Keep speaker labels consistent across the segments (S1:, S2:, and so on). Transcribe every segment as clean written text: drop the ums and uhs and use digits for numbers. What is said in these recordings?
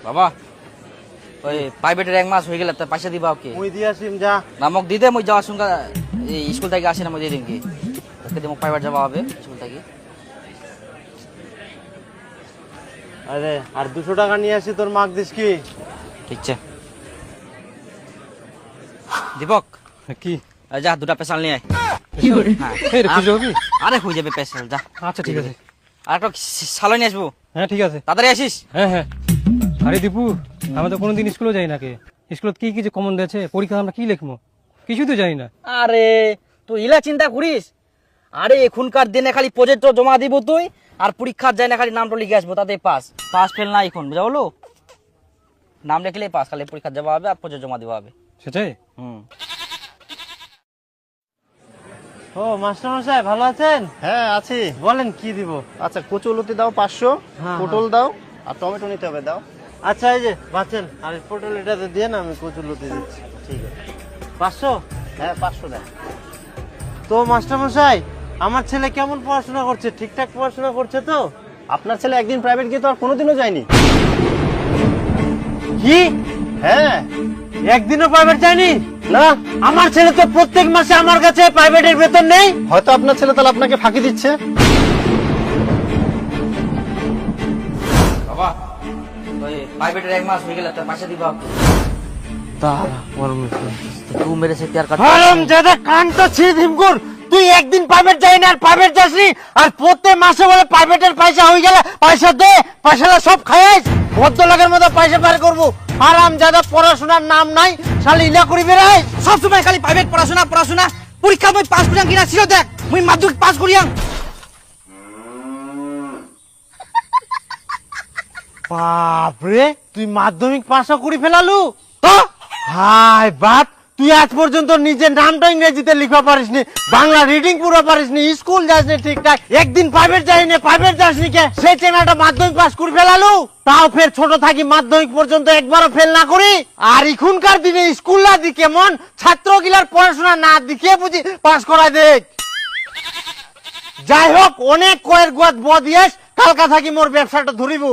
S1: বাবা ওই প্রাইভেটের 1 মাস হয়ে গেল, তা পয়সা দিবা ওকে?
S2: মুই দিয়ে আসিম যা।
S1: নামক দিদে মুই যাওয়ার সঙ্গে এই স্কুল থেকে আসি না, মুই দিয়ে দিম কি ওকে দিয়ে প্রাইভেট যাওয়া হবে স্কুল থেকে।
S2: আরে আর 200 টাকা নিয়ে আসি, তোর মাগ দিস কি?
S1: ঠিক আছে দীপক,
S3: কি
S1: যা 2টা পেশাল নিয়ে আয়।
S3: এই রে, খুঁজে হবি?
S1: আরে হয়ে যাবে পেশাল, যা।
S3: আচ্ছা ঠিক আছে।
S1: আর একটা সালো নিয়ে আসবো।
S3: হ্যাঁ ঠিক আছে।
S1: তাড়াতাড়ি আসিস।
S3: হ্যাঁ হ্যাঁ। আরে দীপু, আমরা তো কোনোদিন স্কুলে যাই না। কে স্কুলত কি কি যে কমন দিয়েছে, পরীক্ষা আমরা কি লিখবো কিছু তো জানি না।
S1: আরে তুই ইলা চিন্তা করিস? আরে এখনকার দিনে খালি প্রজেক্ট জমা দিব তুই, আর পরীক্ষার যায় না খালি নামটা লিখে আসবো, তাতে পাস। পাস ফেল না এখন, বুঝা হলো? নাম লিখলেই পাস, খালি পরীক্ষা যাওয়া হবে আর প্রজেক্ট জমা দেওয়া হবে।
S3: সেটাই।
S2: ও মাস্টার মশাই ভালো আছেন?
S4: হ্যাঁ আছি।
S2: বলেন কি দিব?
S4: আচ্ছা কচুলতি দাও 500,
S2: হ্যাঁ,
S4: পটল দাও আর টমেটো নিতে হবে দাও।
S2: আচ্ছা এই যে বাঁচেন, আর পটল এটাতে দিয়ে না, আমি কচুলতি দিচ্ছি।
S4: ঠিক আছে।
S2: 500?
S4: হ্যাঁ 500 দেন।
S2: তো মাস্টার মশাই, আমার ছেলে কেমন পড়াশোনা করছে? ঠিকঠাক পড়াশোনা করছে তো?
S4: আপনার ছেলে একদিন প্রাইভেট গিয়ে তো আর কোনোদিনও যায়নি।
S2: কি
S4: হ্যাঁ।
S2: একদিনও প্রাইভেট যায়নি?
S4: না,
S2: আমার ছেলে তো প্রত্যেক মাসে আমার কাছে প্রাইভেটের বেতন নেই।
S4: হয়তো আপনার ছেলে তাহলে আপনাকে ফাঁকি দিচ্ছে।
S1: বাবা ওই প্রাইভেটের 1 মাস হয়ে গেল, তা পয়সা দিবা ওকে? তুই মেরে সে প্যার কাট।
S2: হারাম জাদা, কানটা ছিঁড়ে দিমকুর। তুই একদিন প্রাইভেট যাই না আর প্রাইভেট যাসনি, আর প্রত্যেক মাসে বলে প্রাইভেটের পয়সা হয়ে গেলে পয়সা দে, পয়সাটা সব খাইস। ভদ্রলোকের মতো পয়সা বের করবো। হারাম জাদা, পড়াশোনার নাম নাই, শালি ইলা করি বেড়াই।
S1: সব সময় খালি প্রাইভেট পড়াশোনা পড়াশোনা। পরীক্ষা মই পাস করিয়াং কিনা ছিল দেখ, মুই মাধ্যমিক পাস করিয়াং।
S2: বাপরে, তুই মাধ্যমিক পাশও করে ফেলালু?
S1: তো
S2: হাই বাপ, তুই আজ পর্যন্ত নিজের নামটা ইংরেজিতে লিখা পারিসনি, বাংলা রিডিং পুরো পারিসনি, স্কুল যাসনি ঠিকঠাক, একদিন প্রাইভেট যাইনি, প্রাইভেট যাসনি কে? সেই চেনাটা মাধ্যমিক পাস করে ফেলালু, তাও ফের ছোট থাকি মাধ্যমিক পর্যন্ত একবারও ফেল না করি। আর এখনকার দিনে স্কুল না দি কেমন, ছাত্রগুলার পড়াশোনা না দিকে বুঝি পাস করায় দেখ। যাই হোক, অনেক কয়ের গোয়াত বদিয়েস, কালকা থাকি মোর ব্যবসাটা ধরিব।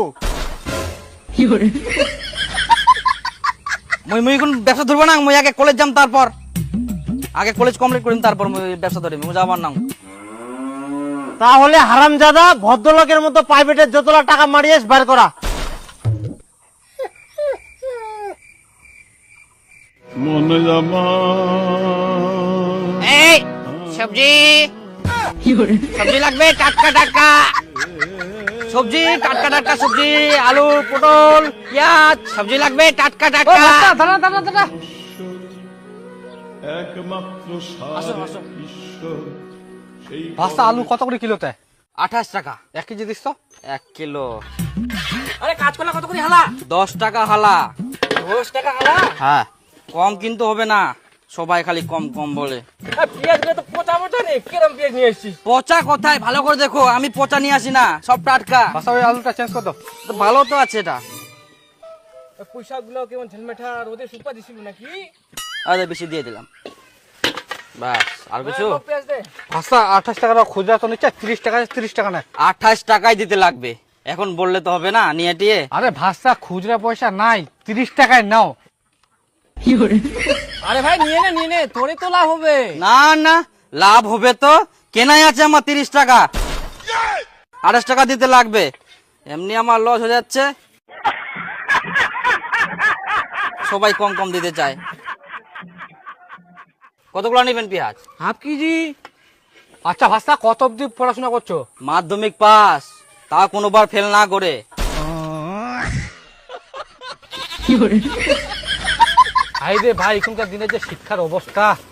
S1: মুই কোন ব্যবসা ধরবো না, মুই আগে কলেজ যাম, তারপর আগে কলেজ কমপ্লিট করিম, তারপর মুই ব্যবসা ধরিম। মুই যাবার না।
S2: তাহলে হারামজাদা, ভদ্রলোকের মতো প্রাইভেটের যতলা টাকা মারিয়েস বার করা।
S5: মনে জামা
S1: এই সবজি সবজি লাগবে, টাটকা টাটকা সবজি, টাটকা টাটকা সবজি, আলু পটল পেঁয়াজ, সবজি লাগবে টাটকা টাটকা।
S5: একমাত্র
S1: আসো, আসো।
S5: ঈশ্বর সেই
S3: ভাষা আলু কত করে কিলোতে?
S1: 28 টাকা
S3: 1 কেজি দিস তো?
S1: 1 কিলো। আরে কাজ করলে কত করে হালা? 10 টাকা হালা।
S3: 10 টাকা হালা?
S1: হ্যাঁ, কম কিন্তু হবে না, সবাই খালি কম কম বলে।
S3: পেঁয়াজ গুলো তো পচা পচা নেই, কিরম পেঁয়াজ নিয়ে এসেছিস?
S1: পচা কোথায়, ভালো করে দেখো, আমি পচা নিয়ে আসি না, সব টাটকা।
S3: ভাষা ওই আলুটা চেঞ্জ কর দাও।
S1: তো ভালো তো আছে এটা।
S3: পয়সা গুলো কেমন ঝলমেঠা রোদে শুকা দিছিল নাকি?
S1: আরে বেশি দিয়ে দিলাম, বাস। আর কিছু?
S3: ভাষা 28 টাকা খুচরা তো নিচ্ছে, 30 টাকা 30 টাকা না।
S1: 28 টাকাই দিতে লাগবে, এখন বললে তো হবে না নিয়ে টিয়ে।
S3: আরে ভাষা খুচরা পয়সা নাই, 30 টাকায় নাও। আরে ভাই নিয়ে নে, তোরে তো লাভ হবে।
S1: না না, লাভ হবে তো, কেনাই আছে আমার 30 টাকা, 28 টাকা দিতে লাগবে, এমনি আমার লস হয়ে যাচ্ছে। সবাই কম কম দিতে চায়। কতগুলো নেবেন পেঁয়াজ?
S3: Half KG. আচ্ছা ভাষা কত অব্দি পড়াশোনা করছো?
S1: মাধ্যমিক পাস, তা কোনোবার ফেল না করে।
S3: ভাই রে ভাই, এখনকার দিনে যে শিক্ষার অবস্থা,